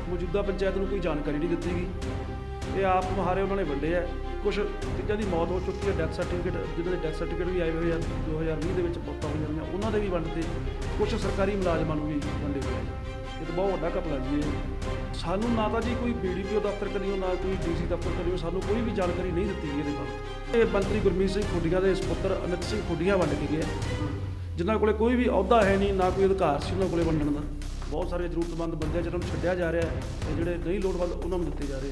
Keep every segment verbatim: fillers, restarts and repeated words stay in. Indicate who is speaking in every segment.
Speaker 1: ਮੌਜੂਦਾ ਪੰਚਾਇਤ ਨੂੰ ਕੋਈ ਜਾਣਕਾਰੀ ਨਹੀਂ ਦਿੱਤੀ ਗਈ। ਇਹ ਆਪ ਮੁਹਾਰੇ ਉਹਨਾਂ ਨੇ ਵੰਡੇ ਆ। ਕੁਛ ਤੀਜਾਂ ਦੀ ਮੌਤ ਹੋ ਚੁੱਕੀ ਹੈ, ਡੈਥ ਸਰਟੀਫਿਕੇਟ ਜਿਹਨਾਂ ਦੇ ਡੈਥ ਸਰਟੀਫਿਕੇਟ ਵੀ ਆਏ ਹੋਏ ਆ ਦੋ ਹਜ਼ਾਰ ਵੀਹ ਦੇ ਵਿੱਚ ਮੌਤਾਂ ਹੋਈਆਂ ਨੇ, ਉਹਨਾਂ ਦੇ ਵੀ ਵੰਡਤੇ। ਕੁਛ ਸਰਕਾਰੀ ਮੁਲਾਜ਼ਮਾਂ ਨੂੰ ਵੀ ਵੰਡੇ ਹੋਏ ਆ। ਇਹ ਤਾਂ ਬਹੁਤ ਵੱਡਾ ਘਪਲਾ ਜੀ ਇਹ। ਸਾਨੂੰ ਨਾ ਤਾਂ ਜੀ ਕੋਈ ਬੀ ਡੀ ਪੀ ਓ ਦਫ਼ਤਰ ਕਰਿਓ, ਨਾ ਕੋਈ ਡੀ ਸੀ ਦਫ਼ਤਰ ਕਰਿਓ, ਸਾਨੂੰ ਕੋਈ ਵੀ ਜਾਣਕਾਰੀ ਨਹੀਂ ਦਿੱਤੀ ਗਈ ਇਹਦੇ ਬਾਰੇ। ਇਹ ਮੰਤਰੀ ਗੁਰਮੀਤ ਸਿੰਘ ਖੁੱਡੀਆਂ ਦੇ ਸਪੁੱਤਰ ਅਮਿਤ ਸਿੰਘ ਖੁੱਡੀਆਂ ਵੰਡ ਕੇ ਗਏ, ਜਿਨ੍ਹਾਂ ਕੋਲੇ ਕੋਈ ਵੀ ਅਹੁਦਾ ਹੈ ਨਹੀਂ, ਨਾ ਕੋਈ ਅਧਿਕਾਰ ਸੀ ਉਹਨਾਂ ਕੋਲੇ ਵੰਡਣ ਦਾ। ਬਹੁਤ ਸਾਰੇ ਜ਼ਰੂਰਤਮੰਦ ਬੰਦੇ ਜਿਹਨਾਂ ਨੂੰ ਛੱਡਿਆ ਜਾ ਰਿਹਾ ਹੈ ਤੇ ਜਿਹੜੇ ਨਹੀਂ ਲੋੜਵੰਦ ਉਹਨਾਂ ਨੂੰ ਦਿੱਤੇ ਜਾ ਰਹੇ।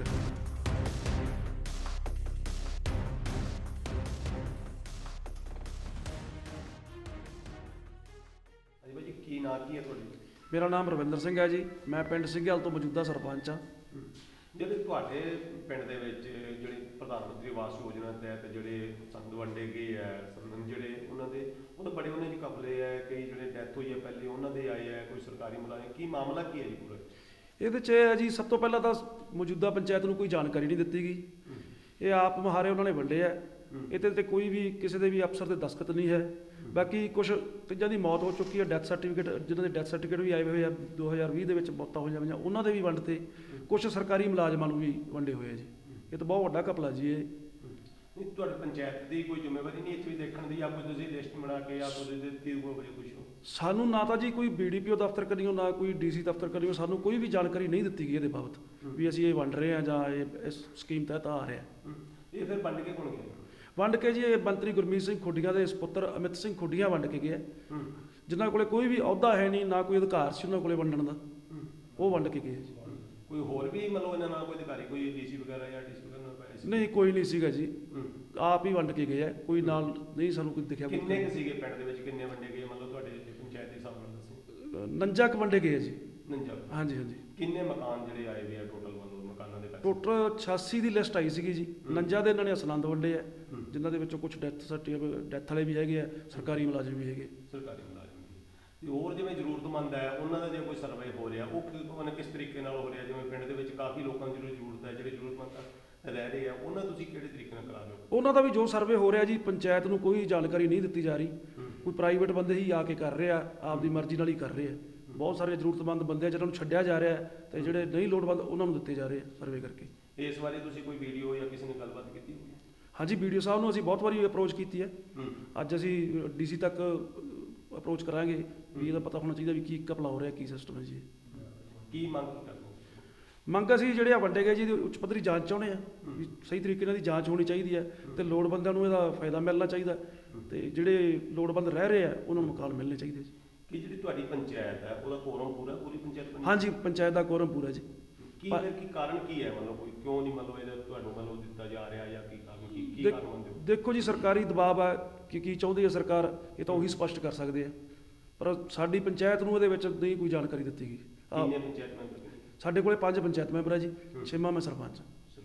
Speaker 2: ਹਾਂਜੀ ਭਾਈ ਜੀ, ਕੀ ਨਾਂ ਕੀ ਹੈ ਤੁਹਾਡੀ?
Speaker 1: ਮੇਰਾ ਨਾਮ ਰਵਿੰਦਰ ਸਿੰਘ ਹੈ ਜੀ। ਮੈਂ ਪਿੰਡ ਸਿੰਘਾਲ ਤੋਂ ਮੌਜੂਦਾ ਸਰਪੰਚ ਹਾਂ।
Speaker 2: ਜਿਹੜੇ ਤੁਹਾਡੇ ਪਿੰਡ ਦੇ ਵਿੱਚ ਜਿਹੜੇ ਪ੍ਰਧਾਨ ਮੰਤਰੀ ਆਵਾਸ ਯੋਜਨਾ ਤਹਿਤ ਜਿਹੜੇ ਸੰਦ ਵੰਡੇ ਗਏ ਹੈ, ਸੰਦ ਜਿਹੜੇ ਉਹਨਾਂ ਦੇ ਉਹ ਤਾਂ ਬੜੇ ਉਹਨਾਂ ਦੀ ਕਪਲੇ ਹੈ, ਕਈ ਜਿਹੜੇ ਡੈਥ ਹੋਈ ਹੈ ਪਹਿਲੇ ਉਹਨਾਂ ਦੇ ਆਏ ਹੈ, ਕੋਈ ਸਰਕਾਰੀ ਮੁਲਾਜ਼ਮ, ਕੀ ਮਾਮਲਾ ਕੀ ਹੈ ਜੀ ਪੂਰਾ?
Speaker 1: ਇਹਦੇ 'ਚ ਇਹ ਹੈ ਜੀ, ਸਭ ਤੋਂ ਪਹਿਲਾਂ ਤਾਂ ਮੌਜੂਦਾ ਪੰਚਾਇਤ ਨੂੰ ਕੋਈ ਜਾਣਕਾਰੀ ਨਹੀਂ ਦਿੱਤੀ ਗਈ। ਇਹ ਆਪ ਮੁਹਾਰੇ ਉਹਨਾਂ ਨੇ ਵੰਡੇ ਆ। ਇਹਦੇ 'ਤੇ ਕੋਈ ਵੀ ਕਿਸੇ ਦੇ ਵੀ ਅਫਸਰ ਦੇ ਦਸਤਖਤ ਨਹੀਂ ਹੈ। ਬਾਕੀ ਕੁਛ ਤੀਜਾਂ ਦੀ ਮੌਤ ਹੋ ਚੁੱਕੀ ਹੈ, ਡੈਥ ਸਰਟੀਫਿਕੇਟ ਜਿਹਨਾਂ ਦੇ ਡੈਥ ਸਰਟੀਫਿਕੇਟ ਵੀ ਆਏ ਹੋਏ ਆ ਦੋ ਹਜ਼ਾਰ ਵੀਹ ਦੇ ਵਿੱਚ ਮੌਤਾਂ ਹੋਈਆਂ ਹੋਈਆਂ, ਉਹਨਾਂ ਦੇ ਵੀ ਵੰਡਤੇ। ਕੁਛ ਸਰਕਾਰੀ ਮੁਲਾਜ਼ਮਾਂ ਨੂੰ ਵੀ ਵੰਡੇ ਹੋਏ ਆ ਜੀ। ਇਹ ਤਾਂ ਬਹੁਤ ਵੱਡਾ ਘਪਲਾ ਜੀ ਇਹ।
Speaker 2: ਨਹੀਂ, ਤੁਹਾਡੀ ਪੰਚਾਇਤ ਦੀ ਕੋਈ ਜ਼ਿੰਮੇਵਾਰੀ ਨਹੀਂ ਇੱਥੇ ਵੀ ਦੇਖਣ ਦੀ, ਜਾਂ ਕੋਈ ਤੁਸੀਂ ਲਿਸਟ ਬਣਾ ਕੇ ਜਾਂ ਕੋਈ ਦਿੱਤੀ ਕੋਈ ਕੁਛ ਹੋ?
Speaker 1: ਸਾਨੂੰ ਨਾ ਤਾਂ ਜੀ ਕੋਈ ਬੀ ਡੀ ਪੀ ਓ ਦਫ਼ਤਰ ਕਰਿਓ, ਨਾ ਕੋਈ ਡੀ ਸੀ ਦਫ਼ਤਰ ਕਰਿਓ, ਸਾਨੂੰ ਕੋਈ ਵੀ ਜਾਣਕਾਰੀ ਨਹੀਂ ਦਿੱਤੀ ਗਈ ਇਹਦੇ ਬਾਬਤ ਵੀ ਅਸੀਂ ਇਹ ਵੰਡ ਰਹੇ ਹਾਂ ਜਾਂ ਇਹ ਇਸ ਸਕੀਮ ਤਹਿਤ ਆ ਰਿਹਾ।
Speaker 2: ਇਹ ਫਿਰ ਵੰਡ ਕੇ ਕੌਣ ਗਿਆ?
Speaker 1: ਵੰਡ ਕੇ ਜੀ ਇਹ ਮੰਤਰੀ ਗੁਰਮੀਤ ਸਿੰਘ ਖੁੱਡੀਆਂ ਦੇ ਸਪੁੱਤਰ ਅਮਿਤ ਸਿੰਘ ਖੁੱਡੀਆਂ ਵੰਡ ਕੇ ਗਏ, ਜਿਨ੍ਹਾਂ ਕੋਲੇ ਕੋਈ ਵੀ ਅਹੁਦਾ ਹੈ ਨਹੀਂ, ਨਾ ਕੋਈ ਅਧਿਕਾਰ ਸੀ ਉਹਨਾਂ ਕੋਲੇ ਵੰਡਣ ਦਾ। ਉਹ ਵੰਡ ਕੇ ਗਏ ਜੀ।
Speaker 2: ਕੋਈ ਹੋਰ ਵੀ ਮਤਲਬ ਇਹਨਾਂ ਨਾਲ ਕੋਈ ਅਧਿਕਾਰੀ, ਕੋਈ ਡੀ ਸੀ ਵਗੈਰਾ ਜਾਂ ਡੀ ਸੀ ਵਗੈਰਾ ਨਾਲ ਪਾਇਆ ਸੀ?
Speaker 1: ਨਹੀਂ, ਕੋਈ ਨਹੀਂ ਸੀਗਾ ਜੀ। ਆਪ ਹੀ ਵੰਡ ਕੇ ਗਏ ਆ, ਕੋਈ ਨਾਲ ਨਹੀਂ ਸਾਨੂੰ ਕੋਈ ਦਿਖਿਆ।
Speaker 2: ਕਿੰਨੇ ਕੁ ਸੀਗੇ ਪਿੰਡ ਦੇ ਵਿੱਚ, ਕਿੰਨੇ ਵੰਡੇ ਗਏ ਮਤਲਬ ਤੁਹਾਡੇ ਪੰਚਾਇਤ ਦੇ ਹਿਸਾਬ ਨਾਲ ਦੱਸੋ?
Speaker 1: ਨੰਜਾ ਕੁ ਵੰਡੇ ਗਏ ਆ ਜੀ।
Speaker 2: ਨੰਜਾ? ਹਾਂਜੀ
Speaker 1: ਹਾਂਜੀ।
Speaker 2: ਕਿੰਨੇ ਮਕਾਨ ਜਿਹੜੇ ਆਏ ਹੋਏ ਆ ਟੋਟਲ, ਮਤਲਬ ਮਕਾਨਾਂ ਦੇ ਪੈਸੇ?
Speaker 1: ਟੋਟਲ ਛਿਆਸੀ ਦੀ ਲਿਸਟ ਆਈ ਸੀਗੀ ਜੀ। ਨੰਜਾ ਦੇ ਇਹਨਾਂ ਨੇ ਅਸਲੰਦ ਵੰਡੇ ਆ, ਜਿਨ੍ਹਾਂ ਦੇ ਵਿੱਚੋਂ ਕੁਝ ਡੈਥ ਸਰਟੀਫਿਕੇਟ ਡੈਥ ਵਾਲੇ ਵੀ ਹੈਗੇ ਆ, ਸਰਕਾਰੀ ਮੁਲਾਜ਼ਮ ਵੀ ਹੈਗੇ।
Speaker 2: ਸਰਕਾਰੀ ਮੁਲਾਜ਼ਮ ਵੀ। ਤੇ ਹੋਰ ਜਿਵੇਂ ਜ਼ਰੂਰਤਮੰਦ ਹੈ ਉਹਨਾਂ ਦਾ ਜੇ ਕੋਈ ਸਰਵੇ ਹੋ ਰਿਹਾ, ਉਹ ਕਿ- ਕਿਸ ਤਰੀਕੇ ਨਾਲ ਹੋ ਰਿਹਾ? ਜਿਵੇਂ ਪਿੰਡ ਦੇ ਵਿੱਚ ਕਾਫੀ ਲੋਕਾਂ ਦੀ ਜਿਹੜੀ ਜ਼ਰੂਰਤ ਹੈ, ਜਿਹੜੇ ਜ਼ਰੂਰਤਮੰਦ ਰਹਿ ਰਹੇ ਆ, ਉਹਨਾਂ ਤੁਸੀਂ ਕਿਹੜੇ ਤਰੀਕੇ ਨਾਲ ਕਰਾ ਰਹੇ ਹੋ?
Speaker 1: ਉਹਨਾਂ ਦਾ ਵੀ ਜੋ ਸਰਵੇ ਹੋ ਰਿਹਾ ਜੀ, ਪੰਚਾਇਤ ਨੂੰ ਕੋਈ ਜਾਣਕਾਰੀ ਨਹੀਂ ਦਿੱਤੀ ਜਾ ਰਹੀ। ਕੋਈ ਪ੍ਰਾਈਵੇਟ ਬੰਦੇ ਹੀ ਆ ਕੇ ਕਰ ਰਹੇ ਆ, ਆਪਦੀ ਮਰਜ਼ੀ ਨਾਲ ਹੀ ਕਰ ਰਹੇ ਆ। ਬਹੁਤ ਸਾਰੇ ਜ਼ਰੂਰਤਮੰਦ ਬੰਦੇ ਆ ਜਿਹਨਾਂ ਨੂੰ ਛੱਡਿਆ ਜਾ ਰਿਹਾ ਤੇ ਜਿਹੜੇ ਨਹੀਂ ਲੋੜਵੰਦ ਉਹਨਾਂ ਨੂੰ ਦਿੱਤੇ ਜਾ ਰਹੇ ਆ ਸਰਵੇ ਕਰਕੇ।
Speaker 2: ਇਸ ਬਾਰੇ ਤੁਸੀਂ ਕੋਈ ਵੀਡੀਓ ਜਾਂ ਕਿਸੇ ਨੇ ਗੱਲਬਾਤ ਕੀਤੀ ਹੋਈ?
Speaker 1: ਹਾਂਜੀ, ਵੀਡੀਓ ਸਾਹਿਬ ਨੂੰ ਅਸੀਂ ਬਹੁਤ ਵਾਰੀ ਅਪਰੋਚ ਕੀਤੀ ਹੈ। ਅੱਜ ਅਸੀਂ ਡੀ ਸੀ ਤੱਕ ਅਪਰੋਚ ਕਰਾਂਗੇ ਵੀ ਇਹਦਾ ਪਤਾ ਹੋਣਾ ਚਾਹੀਦਾ ਵੀ ਕੀ ਘਪਲਾ ਹੋ ਰਿਹਾ, ਕੀ ਸਿਸਟਮ ਹੈ ਜੀ।
Speaker 2: ਕੀ ਮੰਗ ਕਰਦੇ ਹੋ?
Speaker 1: ਮੰਗ ਅਸੀਂ ਜਿਹੜੇ ਆ ਵੰਡੇ ਗਏ ਜੀ, ਉੱਚ ਪੱਧਰੀ ਜਾਂਚ ਚਾਹੁੰਦੇ ਆ ਵੀ ਸਹੀ ਤਰੀਕੇ ਨਾਲ ਦੀ ਜਾਂਚ ਹੋਣੀ ਚਾਹੀਦੀ ਹੈ ਤੇ ਲੋੜਵੰਦਾਂ ਨੂੰ ਇਹਦਾ ਫਾਇਦਾ ਮਿਲਣਾ ਚਾਹੀਦਾ ਤੇ ਜਿਹੜੇ ਲੋੜਵੰਦ ਰਹਿ ਰਹੇ ਆ ਉਹਨਾਂ ਨੂੰ ਮਕਾਨ ਮਿਲਣੇ ਚਾਹੀਦੇ ਜੀ।
Speaker 2: ਕਿ ਜਿਹੜੀ ਤੁਹਾਡੀ ਪੰਚਾਇਤ ਹੈ ਉਹਦਾ ਕੋਰਮ ਪੂਰਾ, ਪੂਰੀ ਪੰਚਾਇਤ ਬਣੀ?
Speaker 1: ਹਾਂਜੀ, ਪੰਚਾਇਤ ਦਾ ਕੋਰਮ ਪੂਰਾ ਜੀ।
Speaker 2: ਕੀ ਫਿਰ ਕੀ ਕਾਰਨ ਕੀ ਹੈ, ਮਤਲਬ ਕੋਈ ਕਿਉਂ ਨਹੀਂ ਮਤਲਬ ਇਹਦਾ ਤੁਹਾਨੂੰ ਮਤਲਬ ਦਿੱਤਾ ਜਾ ਰਿਹਾ, ਜਾਂ ਕੀ ਕਾਰਨ, ਕੀ ਕੀ ਕਾਰਨ ਮੰਨਦੇ ਹੋ?
Speaker 1: ਦੇਖੋ ਜੀ, ਸਰਕਾਰੀ ਦਬਾਅ ਆ ਕਿ ਕੀ ਚਾਹੁੰਦੀ ਹੈ ਸਰਕਾਰ, ਇਹ ਤਾਂ ਉਹੀ ਸਪਸ਼ਟ ਕਰ ਸਕਦੇ ਆ। ਪਰ ਸਾਡੀ ਪੰਚਾਇਤ ਨੂੰ ਇਹਦੇ ਵਿੱਚ ਨਹੀਂ ਕੋਈ ਜਾਣਕਾਰੀ ਦਿੱਤੀ ਗਈ।
Speaker 2: ਕਿੰਨੇ ਪੰਚਾਇਤ ਮੈਂਬਰ ਨੇ?
Speaker 1: ਸਾਡੇ ਕੋਲੇ ਪੰਜ ਪੰਚਾਇਤ ਮੈਂਬਰ ਆ ਜੀ, ਛੇਵਾਂ ਮੈਂ ਸਰਪੰਚ।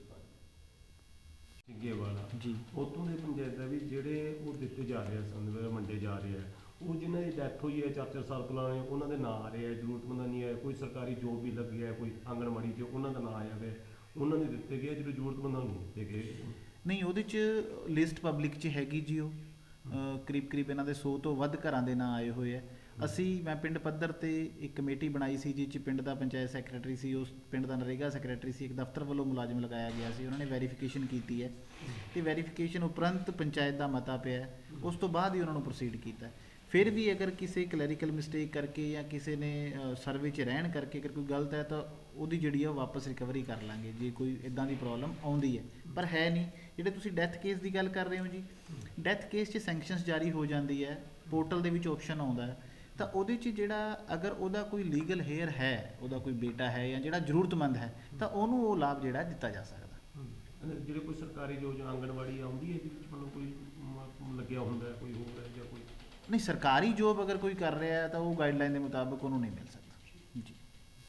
Speaker 2: ਸਿੱਗੇ ਵਾਲਾ ਜੀ, ਉੱਥੋਂ ਦੇ ਪੰਚਾਇਤ ਦਾ ਵੀ ਜਿਹੜੇ ਉਹ ਦਿੱਤੇ ਜਾ ਰਹੇ ਸੰਦ ਵੰਡੇ ਜਾ ਰਹੇ ਆ, ਉਹ ਜਿਨ੍ਹਾਂ ਦੀ ਡੈਥ ਹੋਈ ਹੈ ਚਾਰ ਚਾਰ ਸਾਲ ਪਹਿਲਾਂ, ਉਹਨਾਂ ਦੇ ਨਾਂ ਆ ਰਹੇ ਆ, ਜ਼ਰੂਰਤਮੰਦਾਂ ਨਹੀਂ ਹੈ, ਕੋਈ ਸਰਕਾਰੀ ਜੋਬ ਵੀ ਲੱਗੀ ਹੈ, ਕੋਈ ਆਂਗਣਵਾੜੀ 'ਚ ਉਹਨਾਂ ਦਾ ਨਾਂ ਆਇਆ ਹੋਇਆ, ਉਹਨਾਂ ਦੇ ਦਿੱਤੇ ਗਏ, ਜਿਹੜੇ ਜ਼ਰੂਰਤਮੰਦਾਂ ਨੂੰ ਦਿੱਤੇ ਗਏ
Speaker 3: ਨਹੀਂ। ਉਹਦੇ 'ਚ ਲਿਸਟ ਪਬਲਿਕ 'ਚ ਹੈਗੀ ਜੀ। ਉਹ ਕਰੀਬ ਕਰੀਬ ਇਹਨਾਂ ਦੇ ਸੌ ਤੋਂ ਵੱਧ ਘਰਾਂ ਦੇ ਨਾਂ ਆਏ ਹੋਏ ਆ। ਅਸੀਂ ਮੈਂ ਪਿੰਡ ਪੱਧਰ ਤੇ ਇੱਕ ਕਮੇਟੀ ਬਣਾਈ ਸੀ, ਜਿਸ 'ਚ ਪਿੰਡ ਦਾ ਪੰਚਾਇਤ ਸੈਕਟਰੀ ਸੀ, ਉਸ ਪਿੰਡ ਦਾ ਨਰੇਗਾ ਸੈਕਟਰੀ ਸੀ, ਇੱਕ ਦਫ਼ਤਰ ਵੱਲੋਂ ਮੁਲਾਜ਼ਮ ਲਗਾਇਆ ਗਿਆ ਸੀ। ਉਹਨਾਂ ਨੇ ਵੈਰੀਫਿਕੇਸ਼ਨ ਕੀਤੀ ਹੈ ਤੇ ਵੈਰੀਫਿਕੇਸ਼ਨ ਉਪਰੰਤ ਪੰਚਾਇਤ ਦਾ ਮਤਾ ਪਿਆ, ਉਸ ਤੋਂ ਬਾਅਦ ਹੀ ਉਹਨਾਂ ਨੂੰ ਪ੍ਰੋਸੀਡ ਕੀਤਾ। ਫਿਰ ਵੀ ਅਗਰ ਕਿਸੇ ਕਲੈਰੀਕਲ ਮਿਸਟੇਕ ਕਰਕੇ ਜਾਂ ਕਿਸੇ ਨੇ ਸਰਵੇ 'ਚ ਰਹਿਣ ਕਰਕੇ ਅਗਰ ਕੋਈ ਗਲਤ ਹੈ ਤਾਂ ਉਹਦੀ ਜਿਹੜੀ ਆ ਵਾਪਸ ਰਿਕਵਰੀ ਕਰ ਲਾਂਗੇ ਜੇ ਕੋਈ ਇੱਦਾਂ ਦੀ ਪ੍ਰੋਬਲਮ ਆਉਂਦੀ ਹੈ, ਪਰ ਹੈ ਨਹੀਂ। ਜਿਹੜੇ ਤੁਸੀਂ ਡੈਥ ਕੇਸ ਦੀ ਗੱਲ ਕਰ ਰਹੇ ਹੋ ਜੀ, ਡੈਥ ਕੇਸ 'ਚ ਸੈਂਕਸ਼ਨਸ ਜਾਰੀ ਹੋ ਜਾਂਦੀ ਹੈ, ਪੋਰਟਲ ਦੇ ਵਿੱਚ ਆਪਸ਼ਨ ਆਉਂਦਾ ਹੈ, ਤਾਂ ਉਹਦੇ 'ਚ ਜਿਹੜਾ ਅਗਰ ਉਹਦਾ ਕੋਈ ਲੀਗਲ ਹੇਅਰ ਹੈ, ਉਹਦਾ ਕੋਈ ਬੇਟਾ ਹੈ ਜਾਂ ਜਿਹੜਾ ਜ਼ਰੂਰਤਮੰਦ ਹੈ, ਤਾਂ ਉਹਨੂੰ ਉਹ ਲਾਭ ਜਿਹੜਾ ਦਿੱਤਾ ਜਾ ਸਕਦਾ।
Speaker 2: ਜਿਹੜੇ ਕੋਈ ਸਰਕਾਰੀ ਯੋਜਨਾ ਆਂਗਣਵਾੜੀ ਆਉਂਦੀ ਹੈ ਇਹਦੇ ਵਿੱਚ ਮਤਲਬ ਕੋਈ ਲੱਗਿਆ ਹੁੰਦਾ ਕੋਈ ਹੋਰ ਹੈ ਜਾਂ ਕੋਈ?
Speaker 3: ਨਹੀਂ, ਸਰਕਾਰੀ ਜੋਬ ਅਗਰ ਕੋਈ ਕਰ ਰਿਹਾ ਹੈ ਤਾਂ ਉਹ ਗਾਈਡਲਾਈਨ ਦੇ ਮੁਤਾਬਕ ਉਹਨੂੰ ਨਹੀਂ ਮਿਲ ਸਕਦਾ।